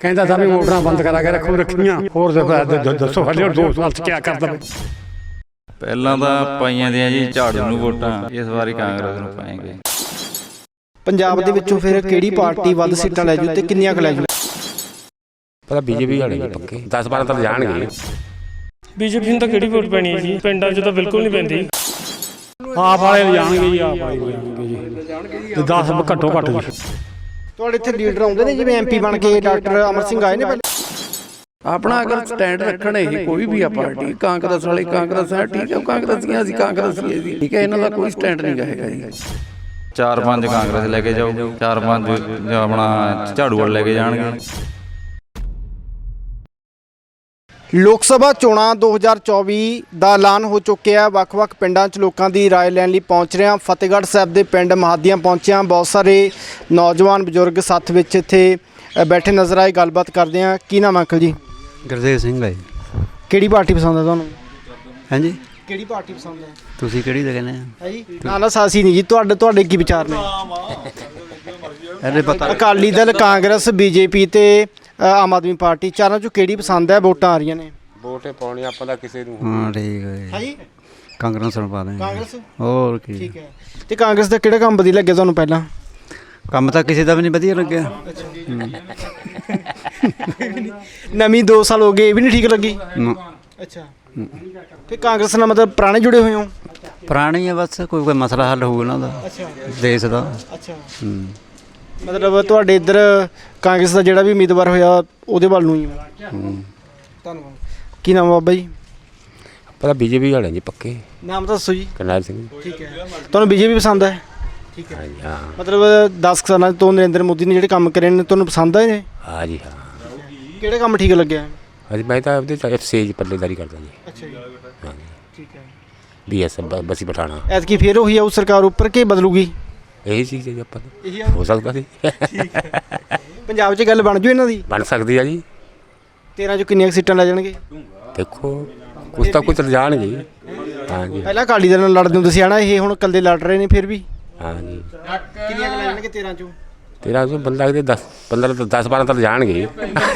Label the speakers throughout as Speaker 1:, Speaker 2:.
Speaker 1: ਕਹਿੰਦਾ ਤਾਂ ਵੀ ਮੋਟਰਾਂ ਬੰਦ ਕਰਾ ਕੇ ਰੱਖੀਆਂ ਹੋਰ ਦੱਸੋ ਹਲੇ 2 ਸਾਲ ਚ ਕੀ ਕਰਦਾ।
Speaker 2: ਪਹਿਲਾਂ ਤਾਂ ਪਾਈਆਂ ਦੀਆਂ ਜੀ ਝਾੜੂ ਨੂੰ ਵੋਟਾਂ, ਇਸ ਵਾਰੀ ਕਾਂਗਰਸ ਨੂੰ ਪਾਏਂਗੇ।
Speaker 3: ਪੰਜਾਬ ਦੇ ਵਿੱਚੋਂ ਫਿਰ ਕਿਹੜੀ ਪਾਰਟੀ ਵੱਧ ਸੀਟਾਂ ਲੈ ਜੂ ਤੇ ਕਿੰਨੀਆਂ ਕੁ ਲੈ ਜੂ?
Speaker 1: ਪਤਾ ਬੀਜੇਪੀ ਵਾਲੇ ਜੀ ਪੱਕੇ 10-12 ਤਾਂ ਜਾਣਗੇ।
Speaker 4: ਬੀਜੇਪੀ ਨੂੰ ਤਾਂ ਕਿਹੜੀ ਵੋਟ ਪੈਣੀ ਹੈ ਜੀ, ਪਿੰਡਾਂ 'ਚ ਤਾਂ ਬਿਲਕੁਲ ਨਹੀਂ ਪੈਂਦੀ।
Speaker 1: ਆਪ ਵਾਲੇ ਜਾਣਗੇ ਜੀ, ਆਪ ਵਾਲੇ ਜਾਣਗੇ ਜੀ ਤੇ 10 ਘੱਟੋ ਘੱਟ ਜੀ।
Speaker 3: ਤੁਹਾਡੇ ਇੱਥੇ ਲੀਡਰ ਆਉਂਦੇ ਨੇ ਜਿਵੇਂ MP ਬਣ ਕੇ ਡਾਕਟਰ ਅਮਰ ਸਿੰਘ ਆਏ ਨੇ ਪਹਿਲੇ?
Speaker 5: ਆਪਣਾ ਅਗਰ ਸਟੈਂਡ ਰੱਖਣ ਇਹ ਕੋਈ ਵੀ ਆ ਪਾਰਟੀ, ਕਾਂਗਰਸ ਵਾਲੇ ਕਾਂਗਰਸ ਹੈ ਠੀਕ ਹੈ, ਉਹ ਕਾਂਗਰਸੀਆਂ ਅਸੀਂ ਕਾਂਗਰਸੀ ਜੀ ਠੀਕ ਹੈ, ਇਹਨਾਂ ਦਾ ਕੋਈ ਸਟੈਂਡ ਨਹੀਂ ਹੈਗਾ ਜੀ।
Speaker 2: 4-5 ਕਾਂਗਰਸ ਲੈ ਕੇ ਜਾਊ, 4-5 ਆਪਣਾ ਝਾੜੂ ਵਾਲੇ ਲੈ ਕੇ ਜਾਣਗੇ।
Speaker 3: ਲੋਕ ਸਭਾ ਚੋਣਾਂ 2024 ਦਾ ਐਲਾਨ ਹੋ ਚੁੱਕਿਆ। ਵੱਖ-ਵੱਖ ਪਿੰਡਾਂ 'ਚ ਲੋਕਾਂ ਦੀ ਰਾਏ ਲੈਣ ਲਈ ਪਹੁੰਚ ਰਹੇ ਹਾਂ। ਫਤਿਹਗੜ੍ਹ ਸਾਹਿਬ ਦੇ ਪਿੰਡ ਮਹਾਦੀਆਂ ਪਹੁੰਚਿਆ। ਬਹੁਤ ਸਾਰੇ ਨੌਜਵਾਨ ਬਜ਼ੁਰਗ ਸਾਥ ਵਿੱਚ ਇੱਥੇ ਬੈਠੇ ਨਜ਼ਰ ਆਏ। ਗੱਲਬਾਤ ਕਰਦੇ ਹਾਂ। ਕੀ ਨਾਮ ਅੰਕਲ ਜੀ?
Speaker 6: ਗੁਰਦੇਵ ਸਿੰਘ ਹੈ।
Speaker 3: ਕਿਹੜੀ ਪਾਰਟੀ ਪਸੰਦ ਹੈ ਤੁਹਾਨੂੰ?
Speaker 6: ਹਾਂਜੀ,
Speaker 3: ਕਿਹੜੀ ਪਾਰਟੀ ਪਸੰਦ ਹੈ?
Speaker 6: ਤੁਸੀਂ ਕਿਹੜੀ ਦਾ ਕਹਿੰਦੇ
Speaker 3: ਹੈ ਜੀ? ਨਾ ਸਾਸੀ ਨਹੀਂ ਜੀ, ਤੁਹਾਡੇ ਕੀ ਵਿਚਾਰ ਨੇ?
Speaker 6: ਇਹਦੇ ਪਤਾ
Speaker 3: ਅਕਾਲੀ ਦਲ, ਕਾਂਗਰਸ, BJP ਤੇ ਆਮ ਆਦਮੀ ਪਾਰਟੀ, ਚਾਰਾਂ 'ਚੋਂ ਕਿਹੜੀ ਪਸੰਦ ਹੈ? ਵੋਟਾਂ ਆ ਰਹੀਆਂ ਨੇ।
Speaker 1: ਵੋਟੇ ਪਾਉਣੀ ਆਪਾਂ ਦਾ ਕਿਸੇ ਨੂੰ।
Speaker 6: ਹਾਂ ਠੀਕ ਹੈ
Speaker 3: ਜੀ।
Speaker 6: ਕਾਂਗਰਸ ਨੂੰ ਪਾ ਦੇਂਗੇ।
Speaker 3: ਕਾਂਗਰਸ
Speaker 6: ਹੋਰ ਕੀ?
Speaker 3: ਠੀਕ ਹੈ। ਤੇ ਕਾਂਗਰਸ ਦਾ ਕਿਹੜਾ ਕੰਮ ਵਧੀਆ ਲੱਗਿਆ ਤੁਹਾਨੂੰ ਪਹਿਲਾਂ?
Speaker 6: ਕੰਮ ਤਾਂ ਕਿਸੇ ਦਾ ਵੀ ਨਹੀਂ ਵਧੀਆ ਲੱਗਿਆ।
Speaker 3: ਨਵੀਂ 2 ਸਾਲ ਹੋ ਗਏ, ਇਹ ਵੀ ਨਹੀਂ ਠੀਕ ਲੱਗੀ? ਅੱਛਾ। ਤੇ ਕਾਂਗਰਸ ਨਾਲ ਮਤਲਬ ਪੁਰਾਣੇ ਜੁੜੇ ਹੋਏ ਹੋ?
Speaker 6: ਪੁਰਾਣੀ ਹੈ ਬਸ, ਕੋਈ ਮਸਲਾ ਹੱਲ ਹੋਊ ਇਹਨਾਂ ਦਾ ਦੇਸ਼ ਦਾ।
Speaker 3: ਅੱਛਾ। ਮਤਲਬ ਤੁਹਾਡੇ ਇੱਧਰ ਕਾਂਗਰਸ ਦਾ ਜਿਹੜਾ ਵੀ ਉਮੀਦਵਾਰ ਹੋਇਆ ਉਹਦੇ ਵੱਲ ਨੂੰ ਹੀ ਧੰਨਵਾਦ। ਕੀ ਨਾਮ ਬਾਬਾ ਜੀ?
Speaker 1: ਪਤਾ ਬੀਜੇਪੀ ਵਾਲੇ ਜੀ ਪੱਕੇ।
Speaker 3: ਨਾਮ ਤਾਂ ਦੱਸੋ ਜੀ।
Speaker 1: ਕਰਨੈਲ ਸਿੰਘ।
Speaker 3: ਠੀਕ ਹੈ। ਤੁਹਾਨੂੰ BJP ਪਸੰਦ ਹੈ? ਠੀਕ ਹੈ।
Speaker 1: ਹਾਂ।
Speaker 3: ਮਤਲਬ 10 ਸਾਲਾਂ ਤੋਂ ਨਰਿੰਦਰ ਮੋਦੀ ਨੇ ਜਿਹੜੇ ਕੰਮ ਕਰੇ ਨੇ ਤੁਹਾਨੂੰ ਪਸੰਦ ਆਏ ਨੇ?
Speaker 1: ਹਾਂ ਜੀ ਹਾਂ।
Speaker 3: ਕਿਹੜੇ ਕੰਮ ਠੀਕ ਲੱਗਿਆ?
Speaker 1: ਹਾਂਜੀ ਮੈਂ ਤਾਂ ਉਹਦੇ ਸੇਜ ਪੱਲੇਦਾਰੀ ਕਰਦਾ ਜੀ।
Speaker 3: ਅੱਛਾ ਜੀ।
Speaker 1: ਹਾਂ ਜੀ।
Speaker 3: ਠੀਕ ਹੈ।
Speaker 1: BS ਬਸੀ ਪਠਾਣਾ।
Speaker 3: ਐਤਕੀ ਫੇਰ ਉਹੀ ਆਊ ਸਰਕਾਰ ਉੱਪਰ ਕਿ ਬਦਲੂਗੀ?
Speaker 1: ਇਹੀ ਚੀਜ਼ ਹੈ ਜੀ ਆਪਾਂ ਨੂੰ ਹੋ ਸਕਦਾ ਸੀ।
Speaker 3: ਪੰਜਾਬ 'ਚ ਗੱਲ ਬਣ ਜੂ ਇਹਨਾਂ ਦੀ?
Speaker 1: ਬਣ ਸਕਦੀ ਆ ਜੀ।
Speaker 3: 13 'ਚੋਂ ਕਿੰਨੀਆਂ ਸੀਟਾਂ ਲੈ ਜਾਣਗੇ?
Speaker 1: ਦੇਖੋ ਕੁਛ ਤਾਂ ਕੁਛ ਜਾਣਗੇ। ਹਾਂ ਜੀ।
Speaker 3: ਪਹਿਲਾਂ ਅਕਾਲੀ ਦਲ ਨਾਲ ਲੜਦੇ ਹੁੰਦੇ ਸੀ ਹਨਾ, ਇਹ ਹੁਣ ਇਕੱਲੇ ਲੜ ਰਹੇ ਨੇ ਫਿਰ ਵੀ?
Speaker 1: ਹਾਂ ਜੀ।
Speaker 3: ਕਿੰਨੀਆਂ ਲੈ ਜਾਣਗੇ 13 'ਚੋਂ?
Speaker 1: 13 ਤੋਂ ਬੰਦਾ ਕਿਤੇ 10-12 ਤਾਂ ਜਾਣਗੇ।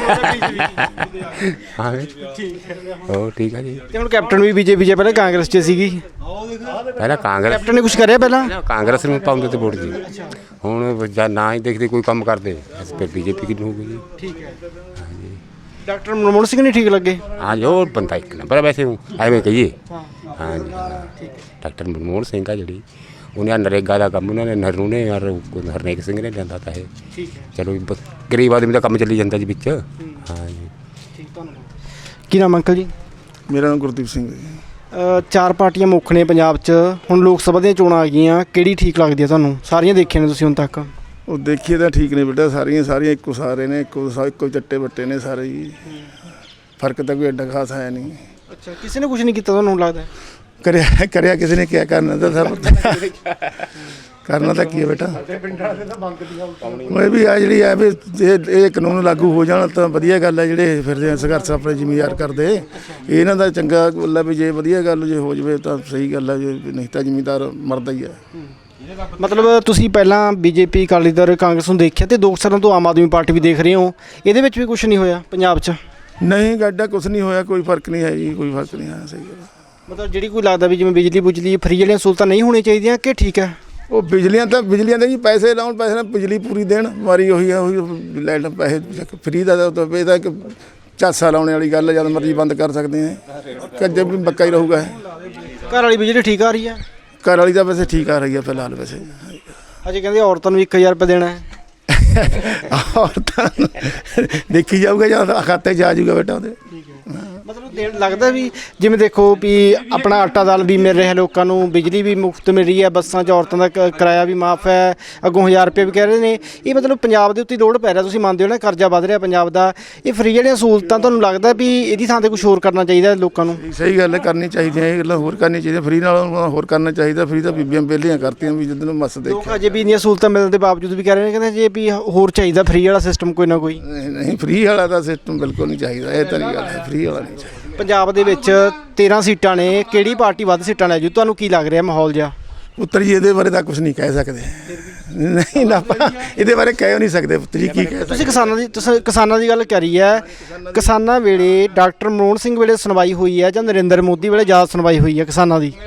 Speaker 1: ਹਾਂ ਹੋਰ ਠੀਕ ਆ ਜੀ।
Speaker 3: ਤੇ ਹੁਣ ਕੈਪਟਨ ਵੀ BJP 'ਚ, ਪਹਿਲਾਂ ਕਾਂਗਰਸ 'ਚ ਸੀਗੀ।
Speaker 1: ਪਹਿਲਾਂ ਕਾਂਗਰਸ
Speaker 3: ਕੈਪਟਨ ਨੇ ਕੁਝ ਕਰਿਆ ਪਹਿਲਾਂ?
Speaker 1: ਕਾਂਗਰਸ ਨੂੰ ਪਾਉਂਦੇ ਤੇ ਵੋਟ ਜੀ। ਹੁਣ ਜਾਂ ਨਾ ਹੀ ਦੇਖਦੇ ਕੋਈ ਕੰਮ ਕਰਦੇ ਫਿਰ BJP ਕਿਹਨੂੰ ਹੋਊਗੀ ਜੀ।
Speaker 3: ਠੀਕ ਹੈ। ਡਾਕਟਰ ਮਨਮੋਹਨ ਸਿੰਘ ਨਹੀਂ ਠੀਕ ਲੱਗੇ?
Speaker 1: ਹਾਂ ਜੀ ਉਹ ਬੰਦਾ ਇੱਕ ਨੰਬਰ ਵੈਸੇ ਐਵੇਂ ਕਹੀਏ।
Speaker 3: ਹਾਂ।
Speaker 1: ਹਾਂ ਜੀ ਡਾਕਟਰ ਮਨਮੋਹਨ ਸਿੰਘ ਆ ਜਿਹੜੀ ਉਹਨੇ ਨਰੇਗਾ ਦਾ ਕੰਮ ਉਹਨਾਂ ਨੇ ਨਹਿਰੂ ਨੇ ਔਰ ਹਰਨੇਕ ਸਿੰਘ ਨੇ ਲਿਆਂਦਾ ਤਾਂ ਇਹ।
Speaker 3: ਠੀਕ ਹੈ।
Speaker 1: ਚਲੋ ਗਰੀਬ ਆਦਮੀ ਦਾ ਕੰਮ ਚੱਲੀ ਜਾਂਦਾ ਜੀ ਵਿੱਚ। ਹਾਂ ਜੀ।
Speaker 3: ਠੀਕ, ਧੰਨਵਾਦ। ਕੀ ਨਾਮ ਅੰਕਲ ਜੀ?
Speaker 7: ਮੇਰਾ ਨਾਮ ਗੁਰਦੀਪ ਸਿੰਘ ਹੈ।
Speaker 3: 4 ਪਾਰਟੀਆਂ ਮੁੱਖ ਨੇ ਪੰਜਾਬ 'ਚ। ਹੁਣ ਲੋਕ ਸਭਾ ਦੀਆਂ ਚੋਣਾਂ ਆ ਗਈਆਂ, ਕਿਹੜੀ ਠੀਕ ਲੱਗਦੀ ਹੈ ਤੁਹਾਨੂੰ? ਸਾਰੀਆਂ ਦੇਖੀਆਂ ਨੇ ਤੁਸੀਂ ਹੁਣ ਤੱਕ?
Speaker 7: ਉਹ ਦੇਖੀਏ ਤਾਂ ਠੀਕ ਨੇ ਬੇਟਾ, ਸਾਰੀਆਂ ਇੱਕੋ ਸਾਰੇ ਨੇ, ਇੱਕੋ ਚੱਟੇ ਬੱਟੇ ਨੇ ਸਾਰੇ ਜੀ। ਫਰਕ ਤਾਂ ਕੋਈ ਐਡਾ ਖਾਸ ਹੈ ਨਹੀਂ।
Speaker 3: ਅੱਛਾ। ਕਿਸੇ ਨੇ ਕੁਝ ਨਹੀਂ ਕੀਤਾ ਤੁਹਾਨੂੰ ਲੱਗਦਾ?
Speaker 7: ਕਰਿਆ ਕਿਸੇ ਨੇ ਕਿਆ ਕਰਨਾ ਤਾਂ ਸਭ ਕਰਨਾ ਤਾਂ ਕੀ ਹੈ ਬੇਟਾ। ਉਹ ਵੀ ਆ ਜਿਹੜੀ ਹੈ ਵੀ ਇਹ ਕਾਨੂੰਨ ਲਾਗੂ ਹੋ ਜਾਣ ਤਾਂ ਵਧੀਆ ਗੱਲ ਹੈ। ਜਿਹੜੇ ਫਿਰਦੇ ਸੰਘਰਸ਼ ਆਪਣੇ ਜ਼ਿਮੀਦਾਰ ਕਰਦੇ ਇਹਨਾਂ ਦਾ ਚੰਗਾ ਗੱਲ ਹੈ ਵੀ ਜੇ ਵਧੀਆ ਗੱਲ ਜੇ ਹੋ ਜਾਵੇ ਤਾਂ ਸਹੀ ਗੱਲ ਹੈ, ਜੇ ਨਹੀਂ ਤਾਂ ਜ਼ਿਮੀਦਾਰ ਮਰਦਾ ਹੀ ਹੈ।
Speaker 3: ਮਤਲਬ ਤੁਸੀਂ ਪਹਿਲਾਂ BJP, ਅਕਾਲੀ ਦਲ, ਕਾਂਗਰਸ ਨੂੰ ਦੇਖਿਆ ਤੇ 2 ਸਾਲਾਂ ਤੋਂ ਆਮ ਆਦਮੀ ਪਾਰਟੀ ਵੀ ਦੇਖ ਰਹੇ ਹੋ, ਇਹਦੇ ਵਿੱਚ ਵੀ ਕੁਝ ਨਹੀਂ ਹੋਇਆ ਪੰਜਾਬ 'ਚ?
Speaker 7: ਨਹੀਂ ਗੱਡਾ ਕੁਛ ਨਹੀਂ ਹੋਇਆ, ਕੋਈ ਫਰਕ ਨਹੀਂ ਹੈ ਜੀ, ਕੋਈ ਫਰਕ ਨਹੀਂ ਹੈ। ਸਹੀ ਗੱਲ।
Speaker 3: ਮਤਲਬ ਜਿਹੜੀ ਕੋਈ ਲੱਗਦਾ ਵੀ ਜਿਵੇਂ ਬਿਜਲੀ ਫਰੀ ਵਾਲੀਆਂ ਸਹੂਲਤਾਂ ਨਹੀਂ ਹੋਣੀਆਂ ਚਾਹੀਦੀਆਂ ਕਿ ਠੀਕ ਹੈ?
Speaker 7: ਉਹ ਬਿਜਲੀਆਂ ਦੇ ਜੀ ਪੈਸੇ ਲਾਉਣ, ਪੈਸੇ ਨਾਲ ਬਿਜਲੀ ਪੂਰੀ ਦੇਣ, ਮਾਰੀ ਉਹੀ ਆ ਉਹੀ ਲਾਈਟ ਪੈਸੇ ਫਰੀ ਦਾ ਇਹਦਾ ਇੱਕ ਝਾਂਸਾ ਲਾਉਣ ਵਾਲੀ ਗੱਲ ਹੈ। ਜਦ ਮਰਜ਼ੀ ਬੰਦ ਕਰ ਸਕਦੇ ਹਾਂ, ਕੱਜੇ ਵੀ ਬੱਕਾ ਹੀ ਰਹੂਗਾ।
Speaker 3: ਘਰ ਵਾਲੀ ਬਿਜਲੀ ਠੀਕ ਆ ਰਹੀ ਹੈ?
Speaker 7: ਘਰ ਵਾਲੀ ਤਾਂ ਵੈਸੇ ਠੀਕ ਆ ਰਹੀ ਹੈ ਫਿਲਹਾਲ ਵੈਸੇ।
Speaker 3: ਅਜੇ ਕਹਿੰਦੇ ਔਰਤਾਂ ਨੂੰ 1000 ਰੁਪਏ ਦੇਣਾ ਹੈ।
Speaker 7: ਔਰਤਾਂ ਦੇਖੀ ਜਾਊਗਾ ਜਾਂ ਖਾਤੇ 'ਚ ਆ ਜਾਊਗਾ ਬੇਟਾ ਉਹਦੇ।
Speaker 3: ਮਤਲਬ ਦੇਣ ਲੱਗਦਾ ਵੀ ਜਿਵੇਂ ਦੇਖੋ ਵੀ ਆਪਣਾ ਆਟਾ ਦਾਲ ਵੀ ਮਿਲ ਰਿਹਾ ਲੋਕਾਂ ਨੂੰ, ਬਿਜਲੀ ਵੀ ਮੁਫਤ ਮਿਲ ਰਹੀ ਹੈ, ਬੱਸਾਂ 'ਚ ਔਰਤਾਂ ਦਾ ਕਿਰਾਇਆ ਵੀ ਮਾਫ ਹੈ, ਅੱਗੋਂ 1000 ਰੁਪਏ ਵੀ ਕਹਿ ਰਹੇ ਨੇ। ਇਹ ਮਤਲਬ ਪੰਜਾਬ ਦੇ ਉੱਤੇ ਲੋਡ ਪੈ ਰਿਹਾ, ਤੁਸੀਂ ਮੰਨਦੇ ਹੋ ਨਾ, ਕਰਜ਼ਾ ਵੱਧ ਰਿਹਾ ਪੰਜਾਬ ਦਾ। ਇਹ ਫਰੀ ਜਿਹੜੀਆਂ ਸਹੂਲਤਾਂ ਤੁਹਾਨੂੰ ਲੱਗਦਾ ਵੀ ਇਹਦੀ ਥਾਂ 'ਤੇ ਕੁਛ ਹੋਰ ਕਰਨਾ ਚਾਹੀਦਾ ਲੋਕਾਂ ਨੂੰ?
Speaker 7: ਸਹੀ ਗੱਲ ਹੈ, ਕਰਨੀ ਚਾਹੀਦੀਆਂ ਇਹ ਗੱਲਾਂ, ਹੋਰ ਕਰਨੀਆਂ ਚਾਹੀਦੀਆਂ। ਫਰੀ ਨਾਲ ਹੋਰ ਕਰਨਾ ਚਾਹੀਦਾ। ਫਰੀ ਤਾਂ ਬੀਬੀਆਂ ਵਿਹਲੀਆਂ ਕਰਤੀਆਂ ਵੀ ਜਿੱਦਣ ਮਸ ਦੇਖਿਆ।
Speaker 3: ਲੋਕ ਅਜੇ ਵੀ ਇੰਨੀਆਂ ਸਹੂਲਤਾਂ ਮਿਲਣ ਦੇ ਬਾਵਜੂਦ ਵੀ ਕਹਿ ਰਹੇ ਨੇ, ਕਹਿੰਦੇ ਜੇ ਵੀ ਹੋਰ ਚਾਹੀਦਾ ਫਰੀ ਵਾਲਾ ਸਿਸਟਮ ਕੋਈ ਨਾ ਕੋਈ।
Speaker 7: ਨਹੀਂ ਫਰੀ ਵਾਲਾ ਤਾਂ ਸਿਸਟਮ ਬਿਲਕੁਲ ਨਹੀਂ ਚਾਹੀਦਾ। ਇਹ ਤਾਂ ਨਹੀਂ ਗੱਲ ਹੈ, ਫਰੀ ਵਾਲਾ ਨਹੀਂ ਚਾਹੀਦਾ।
Speaker 3: ਪੰਜਾਬ ਦੇ ਵਿੱਚ 13 ਸੀਟਾਂ ਨੇ, ਕਿਹੜੀ ਪਾਰਟੀ ਵੱਧ ਸੀਟਾਂ ਲੈ ਜੂ? ਤੁਹਾਨੂੰ ਕੀ ਲੱਗ ਰਿਹਾ ਮਾਹੌਲ ਜਿਹਾ?
Speaker 7: ਪੁੱਤਰ ਜੀ ਇਹਦੇ ਬਾਰੇ ਤਾਂ ਕੁਝ ਨਹੀਂ ਕਹਿ ਸਕਦੇ। ਨਹੀਂ ਨਾ ਆਪਾਂ ਇਹਦੇ ਬਾਰੇ ਕਹਿ ਨਹੀਂ ਸਕਦੇ ਪੁੱਤ ਜੀ, ਕੀ ਕਹਿ
Speaker 3: ਤੁਸੀਂ ਕਿਸਾਨਾਂ ਦੀ ਗੱਲ ਕਰੀ ਹੈ। ਕਿਸਾਨਾਂ ਵੇਲੇ ਡਾਕਟਰ ਮਨਮੋਹਨ ਸਿੰਘ ਵੇਲੇ ਸੁਣਵਾਈ ਹੋਈ ਹੈ ਜਾਂ ਨਰਿੰਦਰ ਮੋਦੀ ਵੇਲੇ ਜ਼ਿਆਦਾ ਸੁਣਵਾਈ ਹੋਈ ਹੈ ਕਿਸਾਨਾਂ ਦੀ?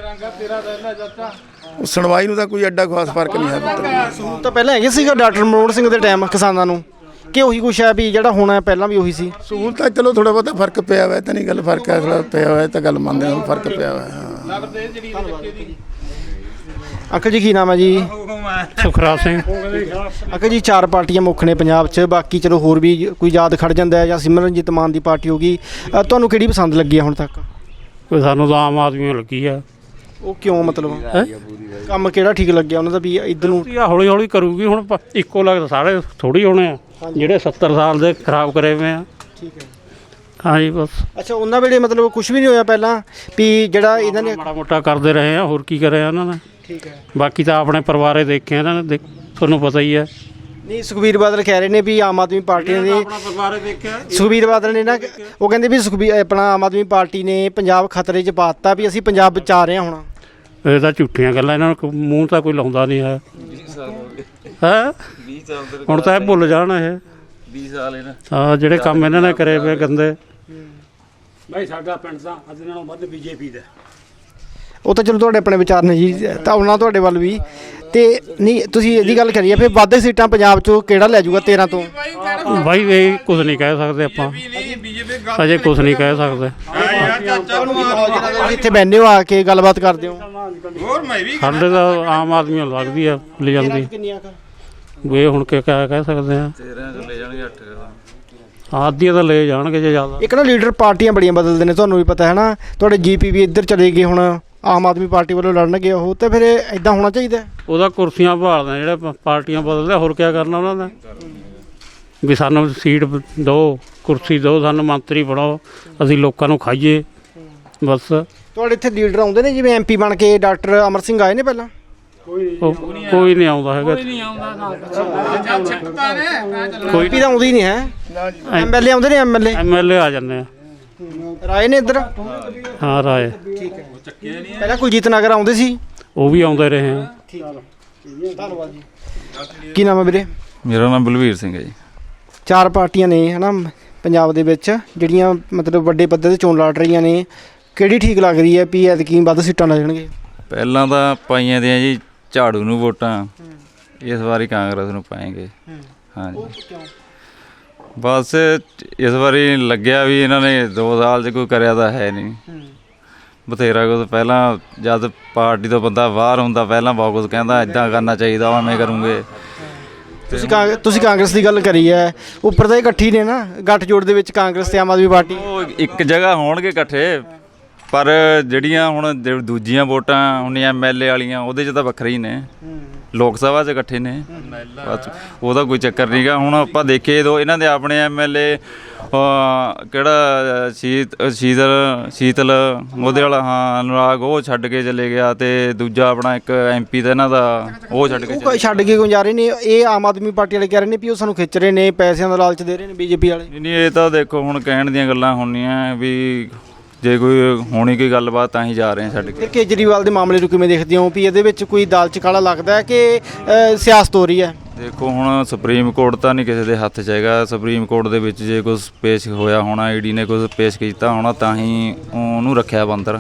Speaker 7: ਸੁਣਵਾਈ ਨੂੰ ਤਾਂ ਕੋਈ ਐਡਾ ਖਾਸ ਫਰਕ ਨਹੀਂ ਹੈ ਪੁੱਤ।
Speaker 3: ਤਾਂ ਪਹਿਲਾਂ ਹੈਗੇ ਸੀਗਾ ਡਾਕਟਰ ਮਨਮੋਹਨ ਸਿੰਘ ਦੇ ਟਾਈਮ ਕਿਸਾਨਾਂ ਨੂੰ, ਕਿ ਉਹੀ ਕੁਛ ਹੈ ਵੀ ਜਿਹੜਾ ਹੋਣਾ ਪਹਿਲਾਂ ਵੀ ਉਹੀ ਸੀ?
Speaker 7: ਸਹੂਲਤਾਂ ਚਲੋ ਥੋੜਾ ਬਹੁਤਾ ਫਰਕ ਪਿਆ ਹੋਇਆ, ਤਾਂ ਨਹੀਂ ਗੱਲ ਫਰਕ ਹੈ, ਥੋੜਾ ਪਿਆ ਹੋਇਆ ਤਾਂ ਗੱਲ ਮੰਨਦੇ ਹਾਂ, ਫਰਕ ਪਿਆ ਹੋਇਆ। ਹਾਂ
Speaker 3: ਅੰਕਲ ਜੀ ਕੀ ਨਾਮ ਹੈ ਜੀ?
Speaker 4: ਸੁਖਰਾਜ ਸਿੰਘ।
Speaker 3: ਅੰਕਲ ਜੀ 4 ਪਾਰਟੀਆਂ ਮੁੱਖ ਨੇ ਪੰਜਾਬ 'ਚ, ਬਾਕੀ ਚਲੋ ਹੋਰ ਵੀ ਕੋਈ ਯਾਦ ਖੜ ਜਾਂਦਾ ਹੈ, ਜਾਂ ਸਿਮਰਨਜੀਤ ਮਾਨ ਦੀ ਪਾਰਟੀ ਹੋ ਗਈ। ਤੁਹਾਨੂੰ ਕਿਹੜੀ ਪਸੰਦ ਲੱਗੀ ਹੈ ਹੁਣ ਤੱਕ?
Speaker 4: ਕੋਈ ਸਾਨੂੰ ਤਾਂ ਆਮ ਆਦਮੀ ਲੱਗੀ ਆ।
Speaker 3: ਉਹ ਕਿਉਂ, ਮਤਲਬ ਕੰਮ ਕਿਹੜਾ ਠੀਕ ਲੱਗਿਆ ਉਹਨਾਂ ਦਾ ਵੀ ਇੱਧਰ ਨੂੰ?
Speaker 4: ਹੌਲੀ ਹੌਲੀ ਕਰੂਗੀ ਹੁਣ, ਇੱਕੋ ਲੱਗਦਾ ਸਾਰੇ ਥੋੜੀ ਹੋਣੇ ਆ ਜਿਹੜੇ 70 ਸਾਲ ਦੇ ਖਰਾਬ ਕਰੇ ਹੋਏ ਆ।
Speaker 3: ਠੀਕ ਹੈ।
Speaker 4: ਹਾਂਜੀ ਬਸ।
Speaker 3: ਅੱਛਾ, ਉਹਨਾਂ ਵੇਲੇ ਮਤਲਬ ਕੁਝ ਵੀ ਨਹੀਂ ਹੋਇਆ ਪਹਿਲਾਂ ਵੀ ਜਿਹੜਾ ਇਹਨਾਂ ਨੇ?
Speaker 4: ਮਾੜਾ ਮੋਟਾ ਕਰਦੇ ਰਹੇ ਆ, ਹੋਰ ਕੀ ਕਰਿਆ ਉਹਨਾਂ ਨੇ।
Speaker 3: ਠੀਕ ਹੈ।
Speaker 4: ਬਾਕੀ ਤਾਂ ਆਪਣੇ ਪਰਿਵਾਰੇ ਦੇਖੇ ਇਹਨਾਂ ਨੇ, ਤੁਹਾਨੂੰ ਪਤਾ ਹੀ ਹੈ।
Speaker 3: ਨਹੀਂ, ਸੁਖਬੀਰ ਬਾਦਲ ਕਹਿ ਰਹੇ ਨੇ ਵੀ ਆਮ ਆਦਮੀ ਪਾਰਟੀ ਨੇ,
Speaker 4: ਆਪਣਾ ਪਰਿਵਾਰੇ ਦੇਖਿਆ।
Speaker 3: ਸੁਖਬੀਰ ਬਾਦਲ ਨੇ ਨਾ, ਉਹ ਕਹਿੰਦੇ ਵੀ ਆਪਣਾ ਆਮ ਆਦਮੀ ਪਾਰਟੀ ਨੇ ਪੰਜਾਬ ਖਤਰੇ 'ਚ ਪਾ ਦਿੱਤਾ, ਵੀ ਅਸੀਂ ਪੰਜਾਬ ਬਚਾ ਰਹੇ ਹਾਂ ਹੁਣ।
Speaker 4: ਇਹ ਤਾਂ ਝੂਠੀਆਂ ਗੱਲਾਂ, ਇਹਨਾਂ ਨੂੰ ਮੂੰਹ ਤਾਂ ਕੋਈ ਲਾਉਂਦਾ ਨਹੀਂ ਹੈ। ਹੈ ਹੁਣ ਤਾਂ ਇਹ ਭੁੱਲ ਜਾਣ ਇਹ
Speaker 2: 20 ਸਾਲ ਇਹਨਾਂ
Speaker 4: ਹਾਂ ਜਿਹੜੇ ਕੰਮ ਇਹਨਾਂ ਨੇ ਕਰੇ ਪਏ ਗੰਦੇ।
Speaker 8: ਭਾਈ ਸਾਡਾ ਪਿੰਡ ਤਾਂ ਅੱਜ ਨਾਲੋਂ ਵੱਧ ਬੀਜੇਪੀ ਦਾ।
Speaker 3: ਉਹ ਤਾਂ ਚਲੋ ਤੁਹਾਡੇ ਆਪਣੇ ਵਿਚਾਰ ਨੇ ਜੀ, ਤਾਂ ਉਹਨਾਂ ਤੁਹਾਡੇ ਵੱਲ ਵੀ। ਤੇ ਨਹੀਂ, ਤੁਸੀਂ ਇਹਦੀ ਗੱਲ ਕਰੀਏ ਫਿਰ ਵੱਧ ਸੀਟਾਂ ਪੰਜਾਬ 'ਚੋਂ ਕਿਹੜਾ ਲੈ ਜਾਊਗਾ 13 ਤੋਂ?
Speaker 4: ਬਾਈ ਇਹ ਕੁਝ ਨਹੀਂ ਕਹਿ ਸਕਦੇ ਆਪਾਂ, ਅਜੇ ਕੁਝ ਨਹੀਂ ਕਹਿ ਸਕਦੇ।
Speaker 3: ਇੱਥੇ ਬੈਠੇ ਹੋ ਆ ਕੇ ਗੱਲਬਾਤ ਕਰਦੇ ਹੋ?
Speaker 4: ਸਾਡੇ ਤਾਂ ਆਮ ਆਦਮੀ ਨੂੰ ਲੱਗਦੀ ਆ ਲੈ ਜਾਂਦੀ। ਇਹ ਹੁਣ ਕੀ ਕਹਿ ਸਕਦੇ ਆ?
Speaker 2: 13 ਚ ਲੈ ਜਾਣਗੇ 8
Speaker 4: ਆਦੀਆਂ ਤਾਂ ਲੈ ਜਾਣਗੇ ਜੇ ਜ਼ਿਆਦਾ।
Speaker 3: ਇੱਕ ਨਾ ਲੀਡਰ ਪਾਰਟੀਆਂ ਬੜੀਆਂ ਬਦਲਦੇ ਨੇ, ਤੁਹਾਨੂੰ ਵੀ ਪਤਾ ਹੈ ਨਾ। ਤੁਹਾਡੇ ਜੀਪੀ ਵੀ ਇੱਧਰ ਚਲੇ ਗਏ, ਹੁਣ ਆਮ ਆਦਮੀ ਪਾਰਟੀ ਵੱਲੋਂ ਲੜਨਗੇ ਉਹ, ਤੇ ਫਿਰ ਇਦਾਂ ਹੋਣਾ ਚਾਹੀਦਾ?
Speaker 4: ਉਹਦਾ ਕੁਰਸੀਆਂ ਭਾਲਦੇ ਜਿਹੜੇ ਪਾਰਟੀਆਂ ਬਦਲਦੇ, ਹੋਰ ਕੀ ਕਰਨਾ ਉਹਨਾਂ ਦਾ? ਵੀ ਸਾਨੂੰ ਸੀਟ ਦਿਓ, ਕੁਰਸੀ ਦਿਓ, ਸਾਨੂੰ ਮੰਤਰੀ ਬਣਾਓ, ਅਸੀਂ ਲੋਕਾਂ ਨੂੰ ਖਾਈਏ ਬਸ।
Speaker 3: ਤੁਹਾਡੇ ਇੱਥੇ ਲੀਡਰ ਆਉਂਦੇ ਨੇ ਜਿਵੇਂ ਐਮਪੀ ਬਣ ਕੇ? ਡਾਕਟਰ ਅਮਰ ਸਿੰਘ ਆਏ ਨੇ ਪਹਿਲਾਂ?
Speaker 4: ਕੋਈ ਨਹੀਂ ਆਉਂਦਾ ਹੈਗਾ।
Speaker 3: ਕੋਈ ਵੀ ਤਾਂ ਆਉਂਦੀ ਹੀ ਨਹੀਂ ਹੈ। ਐਮਐਲਏ ਆਉਂਦੇ ਨੇ?
Speaker 4: ਐਮਐਲਏ ਆ ਜਾਂਦੇ ਆ।
Speaker 3: ਰਾਏ ਨੇ ਇੱਧਰ?
Speaker 4: ਹਾਂ ਰਾਏ।
Speaker 3: ਠੀਕ ਹੈ। ਪਹਿਲਾਂ ਕੁਲਜੀਤ ਨਗਰ ਆਉਂਦੇ ਸੀ?
Speaker 4: ਉਹ ਵੀ ਆਉਂਦੇ ਰਹੇ ਆ।
Speaker 3: ਠੀਕ ਹੈ, ਧੰਨਵਾਦ ਜੀ। ਕੀ ਨਾਮ ਹੈ ਵੀਰੇ?
Speaker 2: ਮੇਰਾ ਨਾਮ ਬਲਵੀਰ ਸਿੰਘ ਹੈ ਜੀ।
Speaker 3: 4 ਪਾਰਟੀਆਂ ਨੇ ਹੈ ਨਾ ਪੰਜਾਬ ਦੇ ਵਿੱਚ, ਜਿਹੜੀਆਂ ਮਤਲਬ ਵੱਡੇ ਪੱਧਰ 'ਤੇ ਚੋਣ ਲੜ ਰਹੀਆਂ ਨੇ। ਕਿਹੜੀ ਠੀਕ ਲੱਗ ਰਹੀ ਹੈ ਵੀ ਐਤਕੀ ਵੱਧ ਸੀਟਾਂ ਲੈ ਜਾਣਗੇ?
Speaker 2: ਪਹਿਲਾਂ ਤਾਂ ਪਾਈਆਂ ਦੀਆਂ ਜੀ ਝਾੜੂ ਨੂੰ ਵੋਟਾਂ, ਇਸ ਵਾਰੀ ਕਾਂਗਰਸ ਨੂੰ ਪਾਏਂਗੇ। ਹਾਂਜੀ ਬਸ ਇਸ ਵਾਰੀ ਲੱਗਿਆ ਵੀ ਇਹਨਾਂ ਨੇ 2 ਸਾਲ 'ਚ ਕੋਈ ਕਰਿਆ ਤਾਂ ਹੈ ਨਹੀਂ। ਬਥੇਰਾ ਕੁਝ ਪਹਿਲਾਂ ਜਦ ਪਾਰਟੀ ਤੋਂ ਬੰਦਾ ਬਾਹਰ ਹੁੰਦਾ ਪਹਿਲਾਂ ਬਹੁਤ ਕੁਝ ਕਹਿੰਦਾ, ਇੱਦਾਂ ਕਰਨਾ ਚਾਹੀਦਾ, ਉਵੇਂ ਕਰੂੰਗੇ।
Speaker 3: ਤੁਸੀਂ ਕਾਂਗਰਸ ਦੀ ਗੱਲ ਕਰੀ ਹੈ, ਉੱਪਰ ਤਾਂ ਇਕੱਠੀ ਨੇ ਨਾ, ਗੱਠਜੋੜ ਦੇ ਵਿੱਚ ਕਾਂਗਰਸ ਤੇ ਆਮ ਆਦਮੀ ਪਾਰਟੀ।
Speaker 2: ਉਹ ਇੱਕ ਜਗ੍ਹਾ ਹੋਣਗੇ ਇਕੱਠੇ, ਪਰ ਜਿਹੜੀਆਂ ਹੁਣ ਦੂਜੀਆਂ ਵੋਟਾਂ ਹੁੰਦੀਆਂ ਐਮਐਲਏ ਵਾਲੀਆਂ, ਉਹਦੇ 'ਚ ਤਾਂ ਵੱਖਰੇ ਹੀ ਨੇ। ਲੋਕ ਸਭਾ 'ਚ ਇਕੱਠੇ ਨੇ ਬਸ, ਉਹਦਾ ਕੋਈ ਚੱਕਰ ਨਹੀਂ ਗਾ। ਹੁਣ ਆਪਾਂ ਦੇਖੀਏ ਇਹਨਾਂ ਦੇ ਆਪਣੇ ਐਮਐਲਏ ਕਿਹੜਾ ਸ਼ੀਤਲ ਉਹਦੇ ਵਾਲਾ, ਹਾਂ ਅਨੁਰਾਗ, ਉਹ ਛੱਡ ਕੇ ਚਲੇ ਗਿਆ। ਤੇ ਦੂਜਾ ਆਪਣਾ ਇੱਕ ਐਮਪੀ ਦਾ ਇਹਨਾਂ ਦਾ, ਉਹ ਛੱਡ ਕੇ
Speaker 3: ਕਿਉਂ ਜਾ ਰਹੇ ਨੇ? ਇਹ ਆਮ ਆਦਮੀ ਪਾਰਟੀ ਵਾਲੇ ਕਹਿ ਰਹੇ ਨੇ ਵੀ ਉਹ ਸਾਨੂੰ ਖਿੱਚ ਰਹੇ ਨੇ, ਪੈਸਿਆਂ ਦਾ ਲਾਲਚ ਦੇ ਰਹੇ ਨੇ ਬੀਜੇਪੀ ਵਾਲੇ।
Speaker 2: ਨਹੀਂ ਇਹ ਤਾਂ ਦੇਖੋ ਹੁਣ ਕਹਿਣ ਦੀਆਂ ਗੱਲਾਂ ਹੁੰਦੀਆਂ ਵੀ ਜੇ ਕੋਈ ਹੋਣੀ ਕੋਈ ਗੱਲਬਾਤ ਤਾਂ ਹੀ ਜਾ ਰਹੇ ਆ ਛੱਡ ਕੇ।
Speaker 3: ਕੇਜਰੀਵਾਲ ਦੇ ਮਾਮਲੇ ਨੂੰ ਕਿਵੇਂ ਦੇਖਦੇ ਹੋ ਵੀ ਇਹਦੇ ਵਿੱਚ ਕੋਈ ਦਾਲ 'ਚ ਕਾਲਾ ਲੱਗਦਾ ਹੈ ਕਿ ਸਿਆਸਤ ਹੋ ਰਹੀ ਹੈ?
Speaker 2: ਦੇਖੋ ਹੁਣ ਸੁਪਰੀਮ ਕੋਰਟ ਤਾਂ ਨਹੀਂ ਕਿਸੇ ਦੇ ਹੱਥ 'ਚ ਹੈਗਾ। ਸੁਪਰੀਮ ਕੋਰਟ ਦੇ ਵਿੱਚ ਜੇ ਕੁਝ ਪੇਸ਼ ਹੋਇਆ ਹੋਣਾ, ਈਡੀ ਨੇ ਕੁਝ ਪੇਸ਼ ਕੀਤਾ ਹੋਣਾ, ਤਾਂ ਹੀ ਉਹਨੂੰ ਰੱਖਿਆ ਬੰਦਰ।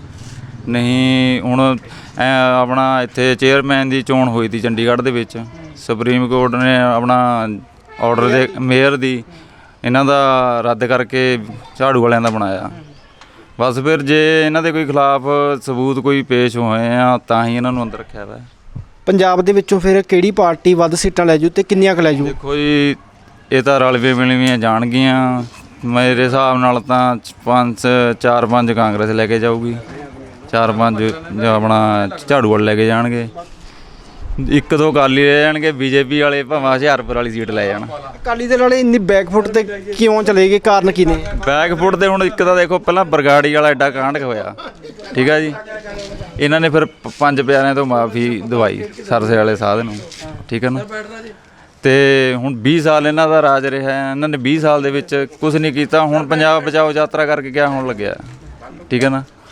Speaker 2: ਨਹੀਂ ਹੁਣ ਆਪਣਾ ਇੱਥੇ ਚੇਅਰਮੈਨ ਦੀ ਚੋਣ ਹੋਈ ਸੀ ਚੰਡੀਗੜ੍ਹ ਦੇ ਵਿੱਚ, ਸੁਪਰੀਮ ਕੋਰਟ ਨੇ ਆਪਣਾ ਆਰਡਰ ਦੇ ਮੇਅਰ ਦੀ ਇਹਨਾਂ ਦਾ ਰੱਦ ਕਰਕੇ ਝਾੜੂ ਵਾਲਿਆਂ ਦਾ ਬਣਾਇਆ। ਬਸ ਫਿਰ ਜੇ ਇਹਨਾਂ ਦੇ ਕੋਈ ਖਿਲਾਫ ਸਬੂਤ ਕੋਈ ਪੇਸ਼ ਹੋਏ ਆ ਤਾਂ ਹੀ ਇਹਨਾਂ ਨੂੰ ਅੰਦਰ ਰੱਖਿਆ ਵਾ। ਪੰਜਾਬ
Speaker 3: ਦੇ ਵਿੱਚੋਂ ਫਿਰ ਕਿਹੜੀ ਪਾਰਟੀ ਵੱਧ ਸੀਟਾਂ ਲੈ ਜੂ ਤੇ ਕਿੰਨੀਆਂ ਕੁ ਲੈ ਜੂ?
Speaker 2: ਦੇਖੋ ਜੀ ਇਹ ਤਾਂ ਰਲਵੇਂ ਮਿਲਵੀਆਂ ਜਾਣਗੀਆਂ। ਮੇਰੇ ਹਿਸਾਬ ਨਾਲ ਤਾਂ 4-5 ਕਾਂਗਰਸ ਲੈ ਕੇ ਜਾਊਗੀ, 4-5 ਆਪਣਾ ਝਾੜੂ ਵਾਲੇ ਲੈ ਕੇ ਜਾਣਗੇ, 1-2 ਅਕਾਲੀ ਲੈ ਜਾਣਗੇ। ਬੀਜੇਪੀ ਵਾਲੇ ਭਾਵੇਂ ਹੁਸ਼ਿਆਰਪੁਰ ਵਾਲੀ ਸੀਟ ਲੈ ਜਾਣ।
Speaker 3: ਅਕਾਲੀ ਦਲ ਵਾਲੇ ਇੰਨੀ ਬੈਕਫੁੱਟ ਤੇ ਕਿਉਂ ਚਲੇ ਗਏ, ਕਾਰਨ ਕੀ ਨੇ?
Speaker 2: ਬੈਕਫੁੱਟ ਤੇ ਹੁਣ ਇੱਕ ਤਾਂ ਦੇਖੋ ਪਹਿਲਾਂ ਬਰਗਾੜੀ ਵਾਲਾ ਐਡਾ ਕਾਂਡ ਹੋਇਆ, ਠੀਕ ਆ ਜੀ। ਇਹਨਾਂ ਨੇ ਫਿਰ 5 ਪਿਆਰਿਆਂ ਤੋਂ ਮਾਫੀ ਦਵਾਈ ਸਰਸੇ ਵਾਲੇ ਸਾਧ ਨੂੰ, ਠੀਕ ਹੈ ਨਾ। ਤੇ ਹੁਣ 20 ਸਾਲ ਇਹਨਾਂ ਦਾ ਰਾਜ ਰਿਹਾ, ਇਹਨਾਂ ਨੇ 20 ਸਾਲ ਦੇ ਵਿੱਚ ਕੁਝ ਨਹੀਂ ਕੀਤਾ। ਹੁਣ ਪੰਜਾਬ ਬਚਾਓ ਯਾਤਰਾ ਕਰਕੇ ਕਿਆ ਹੋਣ ਲੱਗਿਆ, ਠੀਕ ਹੈ ਨਾ।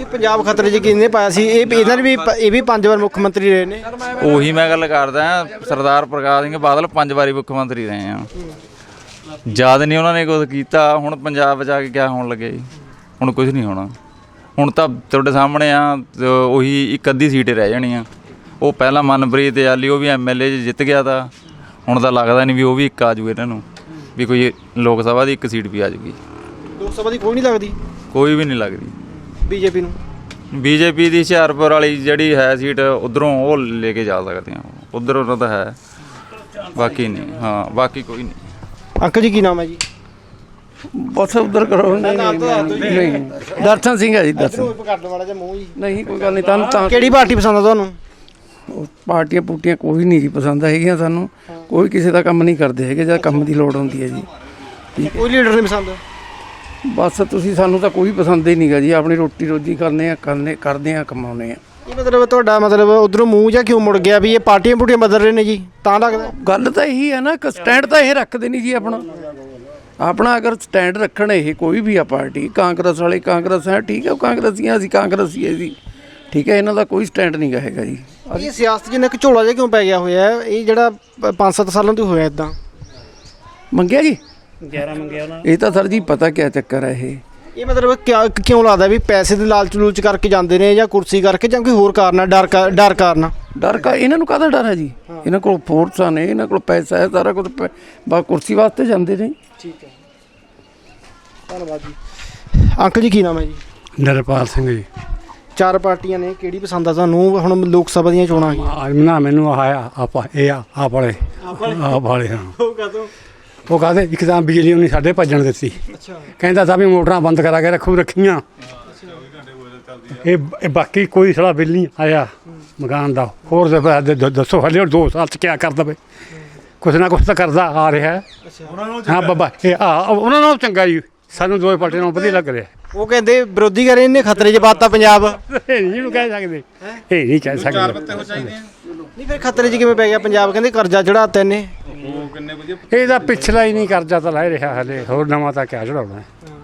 Speaker 3: ਇਹ ਪੰਜਾਬ ਖਤਰੇ 'ਚ ਕਿਹਨੇ ਪਾਇਆ ਸੀ? ਇਹਨਾਂ ਨੇ ਵੀ ਇਹ ਵੀ 5 ਵਾਰ ਮੁੱਖ ਮੰਤਰੀ ਰਹੇ ਨੇ।
Speaker 2: ਉਹੀ ਮੈਂ ਗੱਲ ਕਰਦਾ, ਸਰਦਾਰ ਪ੍ਰਕਾਸ਼ ਸਿੰਘ ਬਾਦਲ 5 ਵਾਰੀ ਮੁੱਖ ਮੰਤਰੀ ਰਹੇ ਆ। ਯਾਦ ਨਹੀਂ ਉਹਨਾਂ ਨੇ ਕੁਝ ਕੀਤਾ। ਹੁਣ ਪੰਜਾਬ ਬਚਾ ਕੇ ਕਿਆ ਹੋਣ ਲੱਗੇ ਜੀ? ਹੁਣ ਕੁਝ ਨਹੀਂ ਹੋਣਾ। ਹੁਣ ਤਾਂ ਤੁਹਾਡੇ ਸਾਹਮਣੇ ਆ, ਉਹੀ ਇੱਕ ਅੱਧੀ ਸੀਟ ਰਹਿ ਜਾਣੀ ਆ। ਉਹ ਪਹਿਲਾਂ ਮਨਪ੍ਰੀਤ ਆਲੀ ਉਹ ਵੀ MLA 'ਚ ਜਿੱਤ ਗਿਆ ਤਾਂ ਹੁਣ ਤਾਂ ਲੱਗਦਾ ਨਹੀਂ ਵੀ ਉਹ ਵੀ ਇੱਕ ਆ ਜੂਗੇ ਇਹਨਾਂ ਨੂੰ, ਵੀ ਕੋਈ ਲੋਕ ਸਭਾ ਦੀ ਇੱਕ ਸੀਟ ਵੀ ਆ ਜੂਗੀ।
Speaker 3: ਲੋਕ ਸਭਾ ਦੀ ਕੋਈ ਨਹੀਂ ਲੱਗਦੀ?
Speaker 2: ਕੋਈ ਵੀ ਨਹੀਂ ਲੱਗਦੀ
Speaker 3: ਬੀਜੇਪੀ ਨੂੰ।
Speaker 2: ਬੀਜੇਪੀ ਦੀ ਹੁਸ਼ਿਆਰਪੁਰ ਵਾਲੀ ਜਿਹੜੀ ਹੈ ਸੀਟ ਉਧਰੋਂ ਉਹ ਲੈ ਕੇ ਜਾ ਸਕਦੇ ਆ, ਉਧਰ ਉਹਨਾਂ ਦਾ ਹੈ, ਬਾਕੀ ਨਹੀਂ। ਹਾਂ ਬਾਕੀ ਕੋਈ ਨਹੀਂ।
Speaker 3: ਅੰਕਲ ਜੀ ਕੀ ਨਾਮ ਹੈ ਜੀ?
Speaker 5: ਬਸ ਉਧਰ ਕਰੋ। ਨਹੀਂ ਦਰਸ਼ਨ ਸਿੰਘ ਹੈ ਜੀ। ਦਰਸ਼ਨ
Speaker 3: ਕੱਢਣ ਵਾਲਾ ਜਾਂ ਮੂੰਹ ਜੀ?
Speaker 5: ਨਹੀਂ ਕੋਈ ਗੱਲ ਨਹੀਂ। ਤੁਹਾਨੂੰ ਤਾਂ
Speaker 3: ਕਿਹੜੀ ਪਾਰਟੀ ਪਸੰਦ ਆ ਤੁਹਾਨੂੰ?
Speaker 5: ਪਾਰਟੀਆਂ ਪੂਟੀਆਂ ਕੋਈ ਨਹੀਂ ਜੀ ਪਸੰਦ ਹੈਗੀਆਂ ਸਾਨੂੰ। ਕੋਈ ਕਿਸੇ ਦਾ ਕੰਮ ਨਹੀਂ ਕਰਦੇ ਹੈਗੇ ਜਦ ਕੰਮ ਦੀ ਲੋੜ ਹੁੰਦੀ ਹੈ ਜੀ।
Speaker 3: ਕੋਈ ਲੀਡਰ ਨਹੀਂ ਪਸੰਦ?
Speaker 5: ਬਸ ਤੁਸੀਂ ਸਾਨੂੰ ਤਾਂ ਕੋਈ ਪਸੰਦ ਹੀ ਨਹੀਂਗਾ ਜੀ। ਆਪਣੀ ਰੋਟੀ ਰੋਜੀ ਕਰਦੇ ਆ ਕਮਾਉਂਦੇ ਆ।
Speaker 3: ਇਹ ਮਤਲਬ ਤੁਹਾਡਾ ਮਤਲਬ ਉਧਰੋਂ ਮੂੰਹ ਜਾਂ ਕਿਉਂ ਮੁੜ ਗਿਆ ਵੀ ਇਹ ਪਾਰਟੀਆਂ ਪੂਟੀਆਂ ਬਦਲ ਰਹੇ ਨੇ ਜੀ ਤਾਂ ਲੱਗਦਾ?
Speaker 5: ਗੱਲ ਤਾਂ ਇਹੀ ਹੈ ਨਾ, ਸਟੈਂਡ ਤਾਂ ਇਹ ਰੱਖਦੇ ਨਹੀਂ ਜੀ ਆਪਣਾ ਅਗਰ ਸਟੈਂਡ ਰੱਖਣ ਇਹ ਕੋਈ ਵੀ ਆ ਪਾਰਟੀ, ਕਾਂਗਰਸ ਵਾਲੇ ਕਾਂਗਰਸ ਹੈ ਠੀਕ ਹੈ, ਉਹ ਕਾਂਗਰਸੀਆਂ ਅਸੀਂ ਕਾਂਗਰਸੀ ਹੈ ਜੀ ਠੀਕ ਹੈ। ਇਹਨਾਂ ਦਾ ਕੋਈ ਸਟੈਂਡ ਨਹੀਂ ਹੈਗਾ ਜੀ।
Speaker 3: ਇਹ ਸਿਆਸਤ ਜਿੰਨਾ ਕਿ ਝੋਲਾ ਜਿਹਾ ਕਿਉਂ ਪੈ ਗਿਆ ਹੋਇਆ ਹੈ? ਇਹ ਜਿਹੜਾ 5-7 ਸਾਲਾਂ ਤੋਂ ਹੋਇਆ ਇਦਾਂ
Speaker 5: ਮੰਗਿਆ ਜੀ
Speaker 4: 11 ਮੰਗਿਆ ਉਹਨਾਂ।
Speaker 5: ਇਹ ਤਾਂ ਸਰ ਜੀ ਪਤਾ ਕਿਆ ਚੱਕਰ ਹੈ
Speaker 3: ਇਹ ਮਤਲਬ ਕਿਉਂ ਲੱਗਦਾ ਵੀ ਪੈਸੇ ਦੇ ਲਾਲਚ ਕਰਕੇ ਜਾਂਦੇ ਨੇ ਜਾਂ ਕੁਰਸੀ ਕਰਕੇ ਜਾਂ ਕੋਈ ਹੋਰ ਕਾਰਨ ਹੈ? ਡਰ ਕਾਰਨ?
Speaker 5: ਡਰ ਕਾ ਇਹਨਾਂ ਨੂੰ ਕਾਹਦਾ ਡਰ ਹੈ ਜੀ? ਇਹਨਾਂ ਕੋਲ ਫੋਰਸਾਂ ਨੇ, ਇਹਨਾਂ ਕੋਲ ਪੈਸਾ ਹੈ, ਸਾਰਾ ਕੁਝ ਬਸ ਕੁਰਸੀ ਵਾਸਤੇ ਜਾਂਦੇ ਨੇ।
Speaker 3: ਠੀਕ ਹੈ, ਧੰਨਵਾਦ ਜੀ। ਅੰਕਲ ਜੀ ਕੀ ਨਾਮ ਹੈ ਜੀ?
Speaker 8: ਨਰਪਾਲ ਸਿੰਘ ਜੀ।
Speaker 3: 4 ਪਾਰਟੀਆਂ ਨੇ, ਕਿਹੜੀ ਪਸੰਦ ਆ ਤੁਹਾਨੂੰ? ਹੁਣ ਲੋਕ ਸਭਾ ਦੀਆਂ ਚੋਣਾਂ ਆ ਗਈਆਂ।
Speaker 8: ਨਾ ਮੈਨੂੰ ਆਪ ਵਾਲੇ ਹਾਂ। ਉਹ ਕਹਿੰਦੇ ਇੱਕ ਤਾਂ ਬਿਜਲੀ ਉਹਨੇ ਸਾਡੇ ਭੱਜਣ ਦਿੱਤੀ। ਕਹਿੰਦਾ ਤਾਂ ਵੀ ਮੋਟਰਾਂ ਬੰਦ ਕਰਾ ਕੇ ਰੱਖੀਆਂ। ਇਹ ਬਾਕੀ ਕੋਈ ਸਾਲਾ ਬਿੱਲ ਨਹੀਂ ਆਇਆ ਮਕਾਨ ਦਾ। ਹੋਰ ਦੱਸੋ ਹਲੇ 2 ਸਾਲ 'ਚ ਕਿਆ ਕਰ ਦਵੇ? ਕੁਛ ਨਾ ਕੁਛ ਤਾਂ ਕਰਦਾ ਆ ਰਿਹਾ। ਹਾਂ ਬਾਬਾ ਇਹ ਉਹਨਾਂ ਨਾਲ ਚੰਗਾ ਜੀ, ਸਾਨੂੰ 2 ਪਾਰਟੀਆਂ ਨਾਲ ਵਧੀਆ ਲੱਗ ਰਿਹਾ।
Speaker 3: ਉਹ ਕਹਿੰਦੇ ਵਿਰੋਧੀ ਕਰੇ ਇਹਨੇ ਖਤਰੇ 'ਚ ਪਾਤਾ ਪੰਜਾਬ।
Speaker 8: ਇਹ ਨਹੀਂ ਇਹਨੂੰ ਕਹਿ ਸਕਦੇ, ਇਹ ਨਹੀਂ ਕਹਿ ਸਕਦੇ।
Speaker 3: ਨਹੀਂ ਫਿਰ ਖਤਰੇ 'ਚ ਕਿਵੇਂ ਪੈ ਗਿਆ ਪੰਜਾਬ? ਕਹਿੰਦੇ ਕਰਜ਼ਾ ਚੜਾਤਾ ਇਹਨੇ।
Speaker 8: ਇਹਦਾ ਪਿਛਲਾ ਹੀ ਨਹੀਂ ਕਰਜ਼ਾ ਤਾਂ ਲੈ ਰਿਹਾ ਹਲੇ, ਹੋਰ ਨਵਾਂ ਤਾਂ ਕਿਆ ਚੜਾਉਣਾ।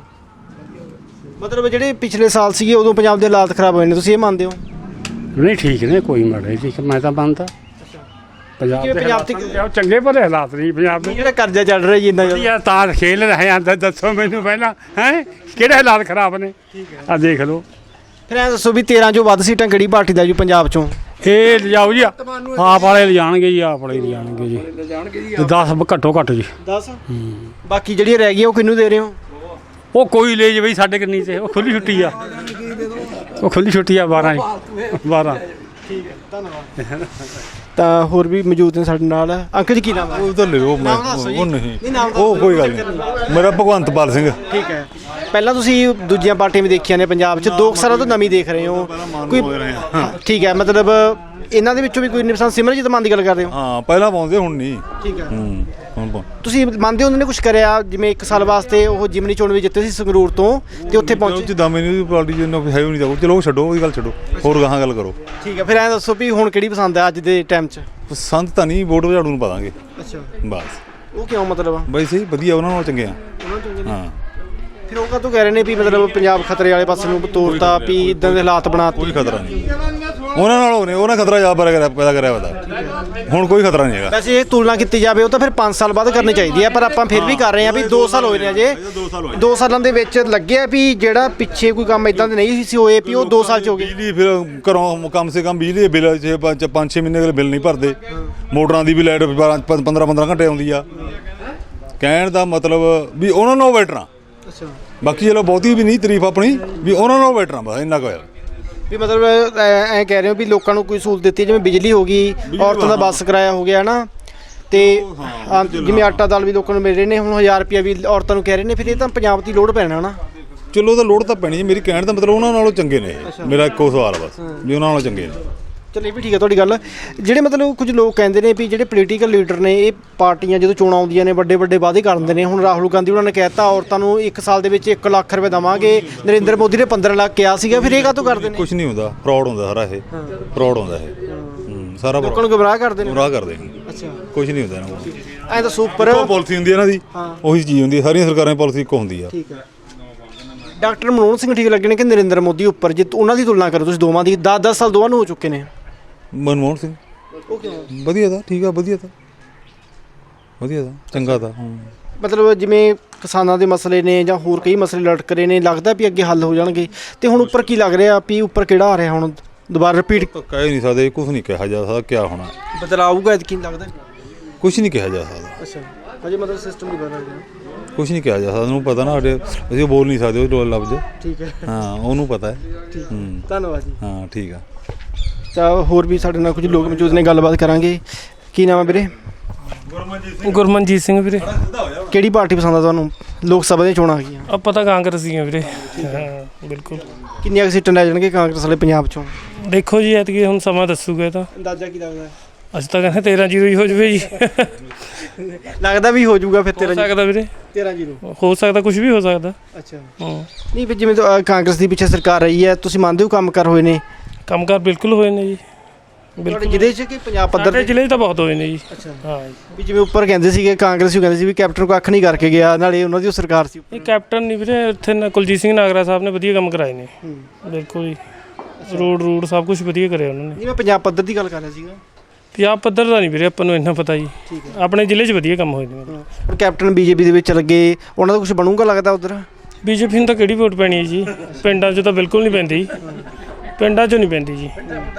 Speaker 3: ਮਤਲਬ ਜਿਹੜੇ ਪਿਛਲੇ ਸਾਲ ਸੀਗੇ ਉਦੋਂ ਪੰਜਾਬ ਦੇ ਹਾਲਾਤ ਖਰਾਬ ਹੋਏ ਨੇ, ਤੁਸੀਂ ਇਹ ਮੰਨਦੇ ਹੋ?
Speaker 8: ਨਹੀਂ ਠੀਕ ਨੇ, ਕੋਈ ਮਾੜੇ ਠੀਕ ਮੈਂ ਤਾਂ ਮੰਨਦਾ। ਪੰਜਾਬ ਤੇ ਚੰਗੇ ਭਲੇ ਹਾਲਾਤ ਨਹੀਂ ਪੰਜਾਬ ਦੇ।
Speaker 3: ਜਿਹੜਾ ਕਰਜ਼ਾ ਚੜ ਰਿਹਾ ਜੀ ਇੰਨਾ ਜ਼ਿਆਦਾ
Speaker 8: ਤਾਂ ਖੇਲ ਰਹੇ ਆਂ। ਦੱਸੋ ਮੈਨੂੰ ਪਹਿਲਾਂ ਹੈ ਕਿਹੜੇ ਹਾਲਾਤ ਖਰਾਬ ਨੇ? ਆ ਦੇਖ ਲਓ।
Speaker 3: ਫਿਰ ਐਂ ਦੱਸੋ ਵੀ 13 ਚੋਂ ਵੱਧ ਸੀਟਾਂ ਕਿਹੜੀ ਪਾਰਟੀ ਦਾ ਜੀ ਪੰਜਾਬ ਚੋਂ?
Speaker 8: ਇਹ ਲਿਜਾਓ ਜੀ, ਆਪ ਵਾਲੇ ਲਿਜਾਣਗੇ ਜੀ, ਆਪ ਵਾਲੇ ਲਿਜਾਣਗੇ ਜੀ। 10 ਘੱਟੋ ਘੱਟ ਜੀ।
Speaker 3: 10? ਬਾਕੀ ਜਿਹੜੀਆਂ ਰਹਿ ਗਈਆਂ ਉਹ ਕਿਹਨੂੰ ਦੇ ਰਹੇ ਹੋ?
Speaker 8: ਉਹ ਕੋਈ ਲੈ ਜੇ ਬਈ ਸਾਡੇ ਕੰਨੀ ਤੇ। ਉਹ ਖੁੱਲੀ ਛੁੱਟੀ ਆ, ਉਹ ਖੁੱਲੀ ਛੁੱਟੀ ਆ 12
Speaker 3: ਠੀਕ ਹੈ, ਧੰਨਵਾਦ। ਤਾਂ ਹੋਰ ਵੀ ਮੌਜੂਦ ਨੇ ਸਾਡੇ ਨਾਲ। ਅੰਕਲ ਜੀ ਕੀ ਨਾਮ ਹੈ?
Speaker 9: ਉਹ ਤਾਂ ਲਿਓ ਮੈਂ ਉਹ ਨਹੀਂ ਉਹ ਕੋਈ ਗੱਲ ਨਹੀਂ। ਮੇਰਾ ਭਗਵੰਤ ਪਾਲ ਸਿੰਘ।
Speaker 3: ਠੀਕ ਹੈ। ਪਹਿਲਾਂ ਤੁਸੀਂ ਦੂਜੀਆਂ ਪਾਰਟੀਆਂ ਵੀ ਦੇਖੀਆਂ ਨੇ ਪੰਜਾਬ 'ਚ, 2 ਸਾਲਾਂ ਤੋਂ ਨਵੀਂ ਦੇਖ ਰਹੇ ਹੋ ਕੋਈ? ਠੀਕ ਹੈ, ਮਤਲਬ ਇਹਨਾਂ ਦੇ ਵਿੱਚੋਂ ਵੀ ਕੋਈ ਨਹੀਂ ਪਸੰਦ? ਸਿਮਰਜੀਤ ਮਾਨ ਦੀ ਗੱਲ ਕਰ ਰਹੇ ਹੋ?
Speaker 9: ਹਾਂ ਪਹਿਲਾਂ ਪਾਉਂਦੇ ਹੁਣ ਨਹੀਂ।
Speaker 3: ਠੀਕ ਹੈ।
Speaker 9: ਹੁਣ
Speaker 3: ਤੁਸੀਂ ਮੰਨਦੇ ਹੋ ਉਹਨਾਂ ਨੇ ਕੁਝ ਕਰਿਆ? ਜਿਵੇਂ 1 ਸਾਲ ਵਾਸਤੇ ਉਹ ਜਿਮਨੀ ਚੋਣ ਵੀ ਜਿੱਤੇ ਸੀ ਸੰਗਰੂਰ ਤੋਂ ਤੇ ਉੱਥੇ ਪਹੁੰਚੇ।
Speaker 9: ਜਿੱਦਾਂ ਮੈਨੂੰ ਪਾਰਟੀ ਜਿੰਨਾ ਹੈ ਨਹੀਂ ਜਾਊ। ਚਲੋ ਛੱਡੋ ਉਹਦੀ ਗੱਲ, ਛੱਡੋ ਹੋਰ ਗਾਹਾਂ ਗੱਲ ਕਰੋ।
Speaker 3: ਠੀਕ ਹੈ, ਫਿਰ ਐਂ ਦੱਸੋ ਵੀ ਹੁਣ ਕਿਹੜੀ ਪਸੰਦ ਹੈ ਅੱਜ ਦੇ ਟਾਈਮ 'ਚ?
Speaker 9: ਪਸੰਦ ਤਾਂ ਨਹੀਂ, ਵੋਟ ਝਾੜੂ ਨੂੰ ਪਾ ਦਾਂਗੇ।
Speaker 3: ਅੱਛਾ,
Speaker 9: ਬਸ।
Speaker 3: ਉਹ ਕਿਉਂ ਮਤਲਬ?
Speaker 9: ਬਈ ਸਹੀ ਵਧੀਆ, ਉਹਨਾਂ ਨਾਲੋਂ ਚੰਗੇ ਆ। ਹਾਂ
Speaker 3: ਫਿਰ ਉਹ ਕਾਹਤੋਂ ਕਹਿ ਰਹੇ ਨੇ ਵੀ ਮਤਲਬ ਪੰਜਾਬ ਖਤਰੇ ਵਾਲੇ ਪਾਸੇ ਨੂੰ ਤੋਰਤਾ ਵੀ ਇਦਾਂ ਦੇ ਹਾਲਾਤ ਬਣਾਤੇ?
Speaker 9: ਕੋਈ ਖਤਰਾ ਨਹੀਂ ਉਹਨਾਂ ਨਾਲੋਂ ਨੇ, ਉਹਨਾਂ ਖਤਰਾ ਜ਼ਿਆਦਾ ਪੈਦਾ ਕਰਿਆ ਵਾ। ਹੁਣ ਕੋਈ ਖਤਰਾ ਨਹੀਂ ਹੈਗਾ।
Speaker 3: ਵੈਸੇ ਇਹ ਤੁਲਨਾ ਕੀਤੀ ਜਾਵੇ ਉਹ ਤਾਂ ਫਿਰ 5 ਸਾਲ ਬਾਅਦ ਕਰਨੀ ਚਾਹੀਦੀ ਹੈ, ਪਰ ਆਪਾਂ ਫਿਰ ਵੀ ਕਰ ਰਹੇ ਹਾਂ ਵੀ 2 ਸਾਲ ਹੋਏ ਨੇ ਅਜੇ। 2 ਸਾਲਾਂ ਦੇ ਵਿੱਚ ਲੱਗਿਆ ਵੀ ਜਿਹੜਾ ਪਿੱਛੇ ਕੋਈ ਕੰਮ ਇਦਾਂ ਦੇ ਨਹੀਂ ਸੀ ਹੋਏ ਵੀ ਉਹ 2 ਸਾਲ 'ਚ ਹੋ ਗਏ।
Speaker 9: ਬਿਜਲੀ ਫਿਰ ਘਰੋਂ ਕਮ ਸੇ ਕਮ ਬਿਜਲੀ ਦੇ ਬਿੱਲ 5-6 ਮਹੀਨੇ ਦੇ ਬਿੱਲ ਨਹੀਂ ਭਰਦੇ। ਮੋਟਰਾਂ ਦੀ ਵੀ ਲਾਈਟ 15-15 ਘੰਟੇ ਆਉਂਦੀ ਆ। ਕਹਿਣ ਦਾ ਮਤਲਬ ਵੀ ਉਹਨਾਂ ਨੂੰ ਬੈਠਣਾ। ਬਾਕੀ ਚਲੋ ਬਹੁਤੀ ਵੀ ਨਹੀਂ ਤਾਰੀਫ ਆਪਣੀ, ਵੀ ਉਹਨਾਂ ਨੂੰ ਬੈਠਣਾ ਬਸ ਇੰਨਾ ਕੁ ਹੋਇਆ
Speaker 3: ਵੀ ਮਤਲਬ ਐਂ ਕਹਿ ਰਹੇ ਹੋ ਵੀ ਲੋਕਾਂ ਨੂੰ ਕੋਈ ਸਹੂਲਤ ਦਿੱਤੀ, ਜਿਵੇਂ ਬਿਜਲੀ ਹੋ ਗਈ, ਔਰਤਾਂ ਦਾ ਬੱਸ ਕਿਰਾਇਆ ਹੋ ਗਿਆ ਨਾ, ਤੇ ਜਿਵੇਂ ਆਟਾ ਦਾਲ ਵੀ ਲੋਕਾਂ ਨੂੰ ਮਿਲ ਰਹੇ ਨੇ। ਹੁਣ 1000 ਰੁਪਇਆ ਵੀ ਔਰਤਾਂ ਨੂੰ ਕਹਿ ਰਹੇ ਨੇ। ਫਿਰ ਇਹ ਤਾਂ ਪੰਜਾਬ ਦੀ ਲੋੜ ਪੈਣਾ ਨਾ।
Speaker 9: ਚਲੋ ਤਾਂ ਲੋੜ ਤਾਂ ਪੈਣੀ। ਮੇਰੀ ਕਹਿਣ ਦਾ ਮਤਲਬ ਉਹਨਾਂ ਨਾਲੋਂ ਚੰਗੇ ਨੇ। ਮੇਰਾ ਇੱਕੋ ਸਵਾਲ ਬਸ ਵੀ ਉਹਨਾਂ ਨਾਲੋਂ ਚੰਗੇ ਨੇ।
Speaker 3: ਚਲੋ ਇਹ ਵੀ ਠੀਕ ਹੈ ਤੁਹਾਡੀ ਗੱਲ। ਜਿਹੜੇ ਮਤਲਬ ਕੁਝ ਲੋਕ ਕਹਿੰਦੇ ਨੇ ਵੀ ਜਿਹੜੇ ਪੋਲੀਟੀਕਲ ਲੀਡਰ ਨੇ, ਇਹ ਪਾਰਟੀਆਂ ਜਦੋਂ ਚੋਣਾਂ ਆਉਂਦੀਆਂ ਨੇ ਵੱਡੇ ਵਾਅਦੇ ਕਰ ਦਿੰਦੇ ਨੇ। ਹੁਣ ਰਾਹੁਲ ਗਾਂਧੀ ਉਹਨਾਂ ਨੇ ਕਹਿਤਾ ਔਰਤਾਂ ਨੂੰ 1 ਸਾਲ ਦੇ ਵਿੱਚ 1 ਲੱਖ ਰੁਪਏ ਦੇਵਾਂਗੇ। ਨਰਿੰਦਰ ਮੋਦੀ ਨੇ 15 ਲੱਖ ਕਿਹਾ ਸੀਗਾ। ਫਿਰ ਇਹ ਕਾਹਤੋਂ ਕਰਦੇ ਨੇ?
Speaker 9: ਕੁਝ ਨਹੀਂ ਹੁੰਦਾ, ਫਰਾਡ ਹੁੰਦਾ ਸਾਰਾ ਇਹ। ਫਰਾਡ ਹੁੰਦਾ ਇਹ ਸਾਰਾ,
Speaker 3: ਲੋਕਾਂ ਨੂੰ ਗੁੰਮਰਾਹ ਕਰਦੇ ਨੇ।
Speaker 9: ਗੁੰਮਰਾਹ ਕਰਦੇ।
Speaker 3: ਅੱਛਾ,
Speaker 9: ਕੁਝ ਨਹੀਂ ਹੁੰਦਾ ਇਹਨਾਂ ਕੋਲ।
Speaker 3: ਐਂ ਤਾਂ ਸੁਪਰ
Speaker 9: ਪਾਲਿਸੀ ਹੁੰਦੀ ਇਹਨਾਂ ਦੀ, ਉਹੀ ਚੀਜ਼ ਹੁੰਦੀ। ਸਾਰੀਆਂ ਸਰਕਾਰਾਂ ਦੀ ਪਾਲਿਸੀ ਇੱਕੋ ਹੁੰਦੀ ਆ।
Speaker 3: ਠੀਕ ਹੈ। ਡਾਕਟਰ ਮਨਮੋਹਨ ਸਿੰਘ ਠੀਕ ਲੱਗੇ ਨੇ ਕਿ ਨਰਿੰਦਰ ਮੋਦੀ ਉੱਪਰ, ਜੇ ਉਹਨਾਂ ਦੀ ਤੁਲਨਾ ਕਰੋ ਤੁਸੀਂ ਦੋਵਾਂ ਦੀ, 10-10 ਸਾਲ ਦੋਵਾਂ ਨੂੰ ਹੋ ਚੁੱਕੇ ਨੇ?
Speaker 9: ਮਨਮੋਹਨ ਸਿੰਘ
Speaker 3: ਉਹ ਕਿਉਂ?
Speaker 9: ਵਧੀਆ ਦਾ ਠੀਕ ਆ, ਵਧੀਆ ਦਾ ਚੰਗਾ ਦਾ।
Speaker 3: ਮਤਲਬ ਜਿਵੇਂ ਕਿਸਾਨਾਂ ਦੇ ਮਸਲੇ ਨੇ ਜਾਂ ਹੋਰ ਕਈ ਮਸਲੇ ਲਟਕ ਰਹੇ ਨੇ, ਲੱਗਦਾ ਵੀ ਅੱਗੇ ਹੱਲ ਹੋ ਜਾਣਗੇ, ਤੇ ਹੁਣ ਉੱਪਰ ਕੀ ਲੱਗ ਰਿਹਾ ਵੀ ਉੱਪਰ ਕਿਹੜਾ ਆ ਰਿਹਾ ਹੁਣ ਦੁਬਾਰਾ ਰਿਪੀਟ?
Speaker 9: ਕਹਿ ਨਹੀਂ ਸਕਦੇ, ਕੁਝ ਨਹੀਂ ਕਿਹਾ ਜਾ ਸਕਦਾ ਕਿਆ ਹੋਣਾ,
Speaker 3: ਬਦਲਾਅ ਆਊਗਾ ਐਤਕੀ ਲੱਗਦਾ?
Speaker 9: ਕੁਝ ਨਹੀਂ ਕਿਹਾ ਜਾ ਸਕਦਾ।
Speaker 3: ਅੱਛਾ, ਹਜੇ ਮਤਲਬ ਸਿਸਟਮ ਨਹੀਂ ਬਦਲ ਰਿਹਾ?
Speaker 9: ਕੁਝ ਨਹੀਂ ਕਿਹਾ ਜਾ ਸਕਦਾ, ਉਹਨੂੰ ਪਤਾ ਨਾ, ਸਾਡੇ ਅਸੀਂ ਬੋਲ ਨਹੀਂ ਸਕਦੇ ਉਹ ਲਫ਼ਜ਼।
Speaker 3: ਠੀਕ ਹੈ,
Speaker 9: ਹਾਂ ਉਹਨੂੰ ਪਤਾ ਹੈ।
Speaker 3: ਧੰਨਵਾਦ ਜੀ।
Speaker 9: ਹਾਂ ਠੀਕ ਆ।
Speaker 3: ਤਾਂ ਹੋਰ ਵੀ ਸਾਡੇ ਨਾਲ ਕੁਝ ਲੋਕ ਮੌਜੂਦ ਨੇ, ਗੱਲਬਾਤ ਕਰਾਂਗੇ। ਕੀ ਨਾਮ ਹੈ ਵੀਰੇ?
Speaker 10: ਗੁਰਮਨਜੀਤ ਸਿੰਘ ਵੀਰੇ।
Speaker 3: ਕਿਹੜੀ ਪਾਰਟੀ ਪਸੰਦ ਆ ਤੁਹਾਨੂੰ? ਲੋਕ ਸਭਾ ਦੀਆਂ ਚੋਣਾਂ ਆ ਗਈਆਂ,
Speaker 10: ਆਪਾਂ ਤਾਂ ਕਾਂਗਰਸੀ ਆ ਵੀਰੇ। ਹਾਂ ਬਿਲਕੁਲ।
Speaker 3: ਕਿੰਨੀਆਂ ਕੁ ਸੀਟਾਂ ਲੈ ਜਾਣਗੇ ਕਾਂਗਰਸ ਵਾਲੇ ਪੰਜਾਬ ਚੋਂ?
Speaker 10: ਦੇਖੋ ਜੀ ਐਤਕੀ ਹੁਣ ਸਮਾਂ ਦੱਸੂਗਾ। ਇਹ ਤਾਂ
Speaker 3: ਅੰਦਾਜ਼ਾ ਕੀ ਲੱਗਦਾ?
Speaker 10: ਅਸੀਂ ਤਾਂ ਕਹਿੰਦੇ 13-0 ਹੀ ਹੋ ਜਾਵੇ ਜੀ।
Speaker 3: ਲੱਗਦਾ ਵੀ ਹੋ ਜਾਊਗਾ ਫਿਰ?
Speaker 10: ਹੋ ਸਕਦਾ ਵੀਰੇ,
Speaker 3: 13-0 ਹੋ
Speaker 10: ਸਕਦਾ, ਕੁਝ ਵੀ ਹੋ ਸਕਦਾ।
Speaker 3: ਅੱਛਾ, ਨਹੀਂ ਫਿਰ ਜਿਵੇਂ ਕਾਂਗਰਸ ਦੀ ਪਿੱਛੇ ਸਰਕਾਰ ਰਹੀ ਹੈ, ਤੁਸੀਂ ਮੰਨਦੇ ਹੋ ਕੰਮ ਕਰ ਹੋਏ ਨੇ?
Speaker 10: ਕੰਮਕਾਰ ਬਿਲਕੁਲ ਹੋਏ ਨੇ ਜੀ,
Speaker 3: ਬਿਲਕੁਲ। ਜ਼ਿਲ੍ਹੇ 'ਚ ਕਿ ਪੰਜਾਬ ਪੱਧਰ
Speaker 10: ਤੇ? ਜ਼ਿਲ੍ਹੇ 'ਚ ਤਾਂ ਬਹੁਤ ਹੋਏ ਨੇ ਜੀ।
Speaker 3: ਅੱਛਾ,
Speaker 10: ਹਾਂ
Speaker 3: ਵੀ ਜਿਵੇਂ ਉੱਪਰ ਕਹਿੰਦੇ ਸੀਗੇ ਕਾਂਗਰਸ ਕਹਿੰਦੇ ਸੀ ਵੀ ਕੈਪਟਨ ਕੋ ਅੱਖ ਨਹੀਂ ਕਰਕੇ ਗਿਆ, ਨਾਲੇ ਉਹਨਾਂ ਦੀ ਉਹ ਸਰਕਾਰ ਸੀ।
Speaker 10: ਇਹ ਕੈਪਟਨ ਨਹੀਂ ਵੀਰੇ, ਇੱਥੇ ਕੁਲਜੀਤ ਸਿੰਘ ਨਾਗਰਾ ਸਾਹਿਬ ਨੇ ਵਧੀਆ ਕੰਮ ਕਰਾਏ ਨੇ। ਬਿਲਕੁਲ ਜੀ, ਰੋਡ ਸਭ ਕੁਝ ਵਧੀਆ ਕਰਿਆ ਉਹਨਾਂ ਨੇ।
Speaker 3: ਨਹੀਂ, ਮੈਂ ਪੰਜਾਬ ਪੱਧਰ ਦੀ ਗੱਲ ਕਰ ਰਿਹਾ ਸੀਗਾ।
Speaker 10: ਪੰਜਾਬ ਪੱਧਰ ਦਾ ਨਹੀਂ ਵੀਰੇ ਆਪਾਂ ਨੂੰ ਇੰਨਾ ਪਤਾ ਜੀ, ਆਪਣੇ ਜ਼ਿਲ੍ਹੇ 'ਚ ਵਧੀਆ ਕੰਮ ਹੋਏ ਨੇ।
Speaker 3: ਹੁਣ ਕੈਪਟਨ ਬੀਜੇਪੀ ਦੇ ਵਿੱਚ ਲੱਗੇ, ਉਹਨਾਂ ਦਾ ਕੁਝ ਬਣੂਗਾ ਲੱਗਦਾ ਉੱਧਰ?
Speaker 10: ਬੀਜੇਪੀ ਨੂੰ ਤਾਂ ਕਿਹੜੀ ਵੋਟ ਪੈਣੀ ਹੈ ਜੀ? ਪਿੰਡਾਂ 'ਚ ਤਾਂ ਬਿਲਕੁਲ ਨਹੀਂ ਪੈਂਦੀ, ਪਿੰਡਾਂ 'ਚ ਨਹੀਂ ਪੈਂਦੀ ਜੀ।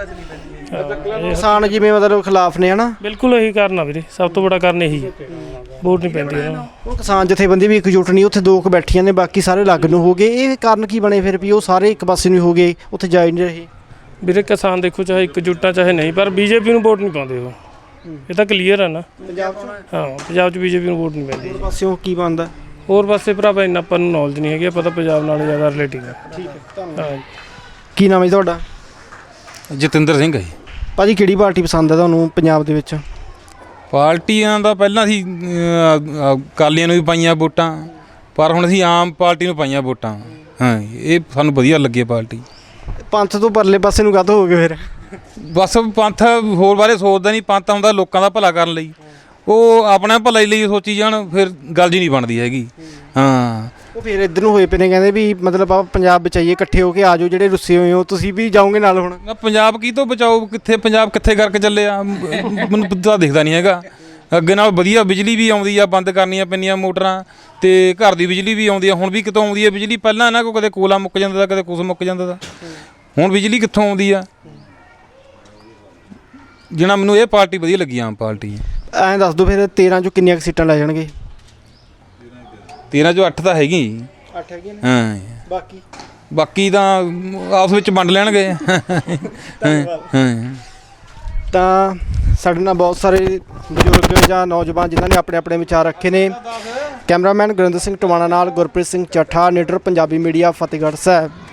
Speaker 3: ਕਿਸਾਨ ਜਿਵੇਂ ਮਤਲਬ ਖਿਲਾਫ ਨੇ, ਹਨਾ?
Speaker 10: ਬਿਲਕੁਲ ਇਹੀ ਕਾਰਨ ਆ ਵੀਰੇ, ਸਭ ਤੋਂ ਵੱਡਾ ਕਾਰਨ ਇਹੀ, ਵੋਟ ਨਹੀਂ ਪੈਂਦੀ ਉਹਨਾਂ ਨੂੰ।
Speaker 3: ਉਹ ਕਿਸਾਨ ਜਥੇਬੰਦੀ ਵੀ ਇਕਜੁੱਟ ਨਹੀਂ, ਉੱਥੇ ਦੋ ਕੁ ਬੈਠੀਆਂ ਨੇ, ਬਾਕੀ ਸਾਰੇ ਅਲੱਗ ਨੂੰ ਹੋ ਗਏ। ਇਹ ਕਾਰਨ ਕੀ ਬਣੇ ਫਿਰ ਵੀ ਉਹ ਸਾਰੇ ਇੱਕ ਪਾਸੇ ਨੂੰ ਹੋ ਗਏ, ਉੱਥੇ ਜਾ ਹੀ ਨਹੀਂ ਰਹੇ?
Speaker 10: ਵੀਰੇ ਕਿਸਾਨ ਦੇਖੋ ਚਾਹੇ ਇਕਜੁੱਟਾਂ ਚਾਹੇ ਨਹੀਂ, ਪਰ ਬੀਜੇਪੀ ਨੂੰ ਵੋਟ ਨਹੀਂ ਪਾਉਂਦੇ ਉਹ, ਇਹ ਤਾਂ ਕਲੀਅਰ ਆ ਨਾ।
Speaker 3: ਪੰਜਾਬ 'ਚ?
Speaker 10: ਹਾਂ ਪੰਜਾਬ 'ਚ ਬੀਜੇਪੀ ਨੂੰ ਵੋਟ ਨਹੀਂ ਪੈਂਦੀ।
Speaker 3: ਹੋਰ ਪਾਸਿਓਂ ਕੀ ਬਣਦਾ?
Speaker 10: ਹੋਰ ਪਾਸੇ ਭਰਾਵਾ ਇੰਨਾ ਆਪਾਂ ਨੂੰ ਨੌਲੇਜ ਨਹੀਂ ਹੈਗੀ, ਆਪਾਂ ਤਾਂ ਪੰਜਾਬ ਨਾਲ ਜ਼ਿਆਦਾ ਰਿਲੇਟਿੰਗ ਆ।
Speaker 3: ਠੀਕ ਹੈ, ਧੰਨਵਾਦ।
Speaker 10: ਹਾਂ ਜੀ।
Speaker 3: ਕੀ ਨਾਮ ਹੈ ਜੀ ਤੁਹਾਡਾ?
Speaker 11: ਜਤਿੰਦਰ ਸਿੰਘ ਹੈ।
Speaker 3: ਭਾਜੀ ਕਿਹੜੀ ਪਾਰਟੀ ਪਸੰਦ ਹੈ ਤੁਹਾਨੂੰ ਪੰਜਾਬ ਦੇ ਵਿੱਚ?
Speaker 11: ਪਾਰਟੀਆਂ ਦਾ ਪਹਿਲਾਂ ਅਸੀਂ ਅਕਾਲੀਆਂ ਨੂੰ ਵੀ ਪਾਈਆਂ ਵੋਟਾਂ, ਪਰ ਹੁਣ ਅਸੀਂ ਆਮ ਪਾਰਟੀ ਨੂੰ ਪਾਈਆਂ ਵੋਟਾਂ। ਹਾਂ ਇਹ ਸਾਨੂੰ ਵਧੀਆ ਲੱਗੀ ਪਾਰਟੀ।
Speaker 3: ਪੰਥ ਤੋਂ ਪਰਲੇ ਪਾਸੇ ਨੂੰ ਕਾਹਤੋਂ ਹੋ ਗਏ ਫਿਰ?
Speaker 11: ਬਸ ਪੰਥ ਹੋਰ ਬਾਰੇ ਸੋਚਦਾ ਨਹੀਂ, ਪੰਥ ਆਉਂਦਾ ਲੋਕਾਂ ਦਾ ਭਲਾ ਕਰਨ ਲਈ, ਉਹ ਆਪਣਾ ਭਲਾ ਲਈ ਸੋਚੀ ਜਾਣ, ਫਿਰ ਗੱਲ ਜੀ ਨਹੀਂ ਬਣਦੀ ਹੈਗੀ। ਹਾਂ
Speaker 3: ਉਹ ਫਿਰ ਇੱਧਰ ਨੂੰ ਹੋਏ ਪਏ ਨੇ, ਕਹਿੰਦੇ ਵੀ ਮਤਲਬ ਆਪਾਂ ਪੰਜਾਬ ਬਚਾਈਏ, ਇਕੱਠੇ ਹੋ ਕੇ ਆ ਜਾਓ, ਜਿਹੜੇ ਰੁੱਸੇ ਹੋਏ ਹੋ ਤੁਸੀਂ ਵੀ ਜਾਓਗੇ ਨਾਲ ਹੁਣ?
Speaker 11: ਪੰਜਾਬ ਕੀ ਤੋਂ ਬਚਾਓ, ਕਿੱਥੇ ਪੰਜਾਬ ਕਿੱਥੇ ਕਰਕੇ ਚੱਲੇ ਆ, ਮੈਨੂੰ ਤਾਂ ਦਿਖਦਾ ਨਹੀਂ ਹੈਗਾ। ਅੱਗੇ ਨਾਲ ਵਧੀਆ ਬਿਜਲੀ ਵੀ ਆਉਂਦੀ ਆ, ਬੰਦ ਕਰਨੀਆਂ ਪੈਂਦੀਆਂ ਮੋਟਰਾਂ, ਤੇ ਘਰ ਦੀ ਬਿਜਲੀ ਵੀ ਆਉਂਦੀ ਆ। ਹੁਣ ਵੀ ਕਿਤੋਂ ਆਉਂਦੀ ਆ ਬਿਜਲੀ? ਪਹਿਲਾਂ ਇਹਨਾਂ ਕੋਲ ਕਦੇ ਕੋਲਾ ਮੁੱਕ ਜਾਂਦਾ ਤਾ, ਕਦੇ ਕੁਛ ਮੁੱਕ ਜਾਂਦਾ ਤਾ, ਹੁਣ ਬਿਜਲੀ ਕਿੱਥੋਂ ਆਉਂਦੀ ਆ? ਜਿਹਨਾਂ ਮੈਨੂੰ ਇਹ ਪਾਰਟੀ ਵਧੀਆ ਲੱਗੀ, ਆਮ ਪਾਰਟੀ।
Speaker 3: ਐਂ ਦੱਸ ਦਿਓ ਫਿਰ 13 ਚੋਂ ਕਿੰਨੀਆਂ ਕੁ ਸੀਟਾਂ ਲੈ ਜਾਣਗੇ?
Speaker 11: 13 ਚੋਂ 8 ਤਾਂ ਹੈਗੀ।
Speaker 3: 8 ਹੈਗੀਆਂ ਨੇ?
Speaker 11: ਹਾਂ
Speaker 3: ਬਾਕੀ
Speaker 11: ਤਾਂ ਆਪਸ ਵਿੱਚ ਵੰਡ ਲੈਣਗੇ।
Speaker 3: ਤਾਂ ਸਾਡੇ ਨਾਲ ਬਹੁਤ ਸਾਰੇ ਬਜ਼ੁਰਗ ਜਾਂ ਨੌਜਵਾਨ ਜਿਨ੍ਹਾਂ ਨੇ ਆਪਣੇ ਆਪਣੇ ਵਿਚਾਰ ਰੱਖੇ ਨੇ। ਕੈਮਰਾਮੈਨ ਗੁਰਿੰਦਰ ਸਿੰਘ ਟਵਾਣਾ ਨਾਲ ਗੁਰਪ੍ਰੀਤ ਸਿੰਘ ਚੱਠਾ, ਨੀਡਰ ਪੰਜਾਬੀ ਮੀਡੀਆ, ਫਤਿਹਗੜ੍ਹ ਸਾਹਿਬ।